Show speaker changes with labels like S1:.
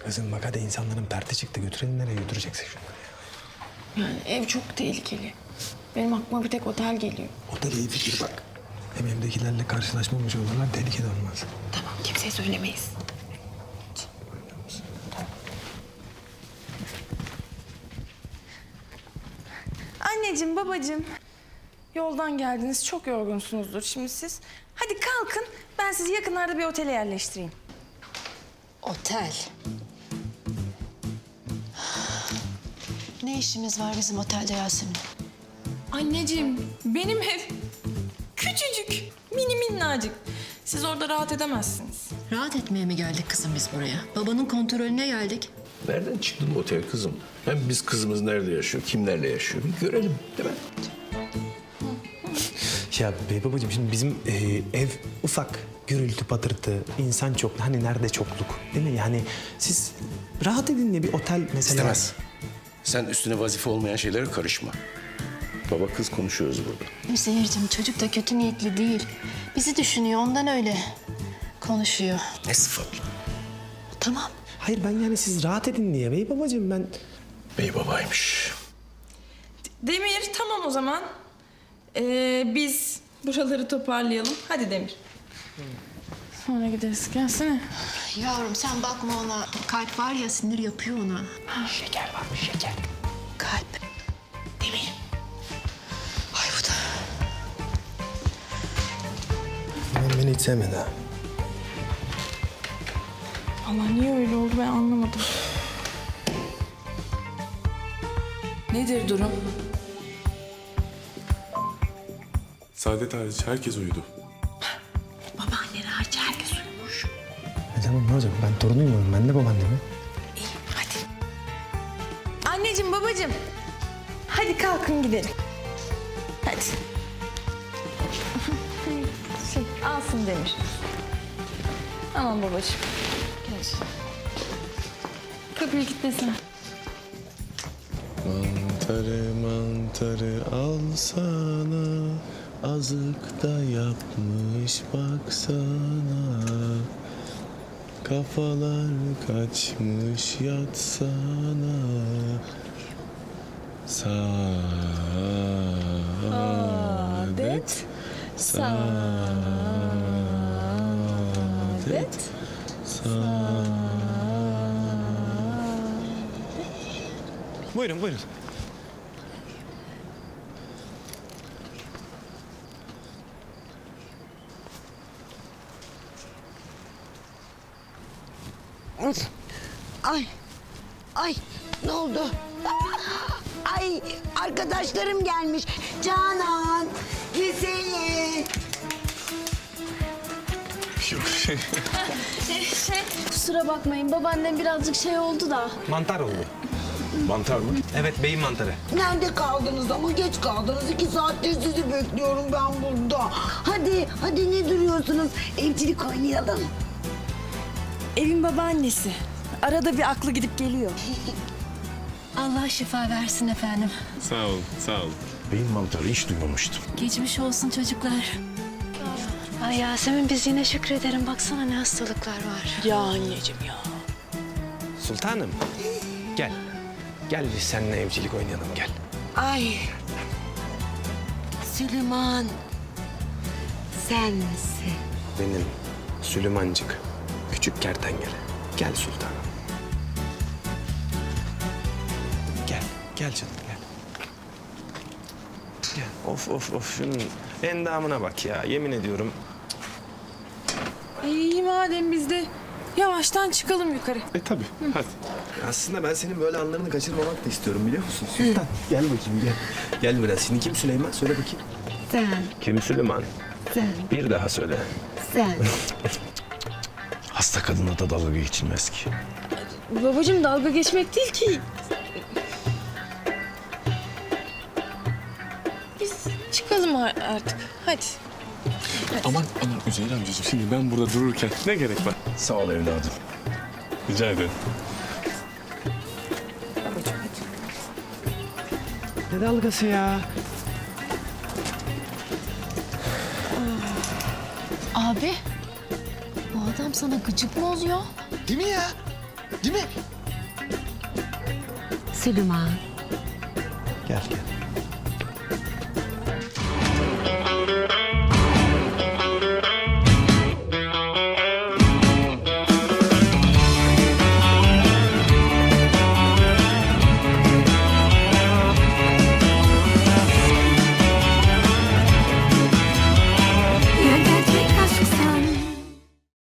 S1: Kızım bak hadi insanların perti çıktı. Götürelim nereye götüreceksin şunları ya.
S2: Yani ev çok tehlikeli. Benim aklıma bir tek otel geliyor.
S1: Otel iyi fikir bak. Hem evdekilerle karşılaşmamış olurlar, tehlikeli olmaz.
S2: Tamam, kimseye söylemeyiz. Anneciğim, babacığım. Yoldan geldiniz, çok yorgunsunuzdur şimdi siz. Hadi kalkın, ben sizi yakınlarda bir otele yerleştireyim.
S3: Otel. Ne işimiz var bizim otelde Yasemin?
S2: Anneciğim, benim ev küçücük, mini minnacık. Siz orada rahat edemezsiniz.
S3: Rahat etmeye mi geldik kızım biz buraya? Babanın kontrolüne geldik.
S4: Nereden çıktı bu otel kızım? Hem biz kızımız nerede yaşıyor, kimlerle yaşıyor bir görelim değil mi?
S1: Ya bey babacığım şimdi bizim ev ufak. Gürültü, patırtı, insan çok. Hani nerede çokluk değil mi? Yani siz rahat edin diye bir otel mesela.
S4: İstemez. Sen üstüne vazife olmayan şeylere karışma. Baba kız konuşuyoruz burada.
S3: Seyircim çocuk da kötü niyetli değil. Bizi düşünüyor ondan öyle konuşuyor.
S4: Ne sıfatla?
S3: Tamam.
S1: Hayır ben yani siz rahat edin diye bey babacığım ben.
S4: Bey babaymış.
S2: Demir, tamam o zaman. Biz buraları toparlayalım. Hadi Demir. Sonra gideriz. Gelsene.
S3: Yavrum sen bakma ona. Kalp var ya sinir yapıyor ona.
S1: Şeker varmış şeker.
S3: Kalp. Demir. Ay bu da.
S1: Ben beni hiç sevmedi ha.
S2: Allah niye öyle oldu ben anlamadım. Nedir durum?
S5: Saadet hariç herkes uyudu.
S3: Babaanneler hariç herkes uyumuş.
S1: Tamam ne olacak ben torunuyum oğlum ben de babaannemim.
S2: Hadi. Anneciğim, babacığım. Hadi kalkın gidelim. Hadi. Alsın Demir. Aman babacığım. Gel. Kapıyı kilitlesene.
S5: Mantarı mantarı alsana, azık da yapmış baksana. Kafalar kaçmış yatsana. Saadet, saadet,
S1: Buyurun buyurun.
S6: Ay, ay ne oldu? Ay arkadaşlarım gelmiş. Canan, Hüseyin.
S7: Kusura bakmayın babaannem birazcık şey oldu da.
S1: Mantar oldu.
S4: Mantar mı?
S1: Evet beyin mantarı.
S6: Nerede kaldınız ama geç kaldınız. 2 saattir sizi bekliyorum ben burada. Hadi ne duruyorsunuz? Evcilik oynayalım.
S2: Evin babaannesi. Arada bir aklı gidip geliyor.
S3: Allah şifa versin efendim.
S5: Sağ ol, sağ ol.
S4: Beyin mantarı hiç duymamıştım.
S3: Geçmiş olsun çocuklar. Ay Yasemin biz yine şükrederim. Baksana ne hastalıklar var.
S2: Ya anneciğim ya.
S1: Sultanım gel. Gel biz seninle evcilik oynayalım gel.
S6: Ay. Süleyman. Sen misin?
S1: Benim Süleymancık. Küçük kertenkele. Gel sultanım. Gel. Gel canım gel. Gel. Of şunun endamına bak ya yemin ediyorum.
S2: İyi madem biz de yavaştan çıkalım yukarı.
S5: Tabii, hadi.
S1: Aslında ben senin böyle anlarını kaçırmamak da istiyorum biliyor musun Sultan? Gel bakayım gel. Gel biraz. Şimdi kim Süleyman? Söyle bakayım.
S6: Sen,
S4: Kim Süleyman?
S6: sen,
S4: Bir daha söyle.
S6: sen.
S4: Hasta kadına da dalga geçilmez ki.
S2: Babacığım dalga geçmek değil ki. Biz çıkalım artık. Hadi.
S5: Aman Üzeyir amcacığım şimdi ben burada dururken ne gerek var?
S4: Sağ ol evladım.
S5: Rica ederim.
S1: Ne dalgası ya?
S3: Abi bu adam sana gıcık mı oluyor?
S8: Değil mi ya? Değil mi?
S6: Süleyman.
S1: Gel gel.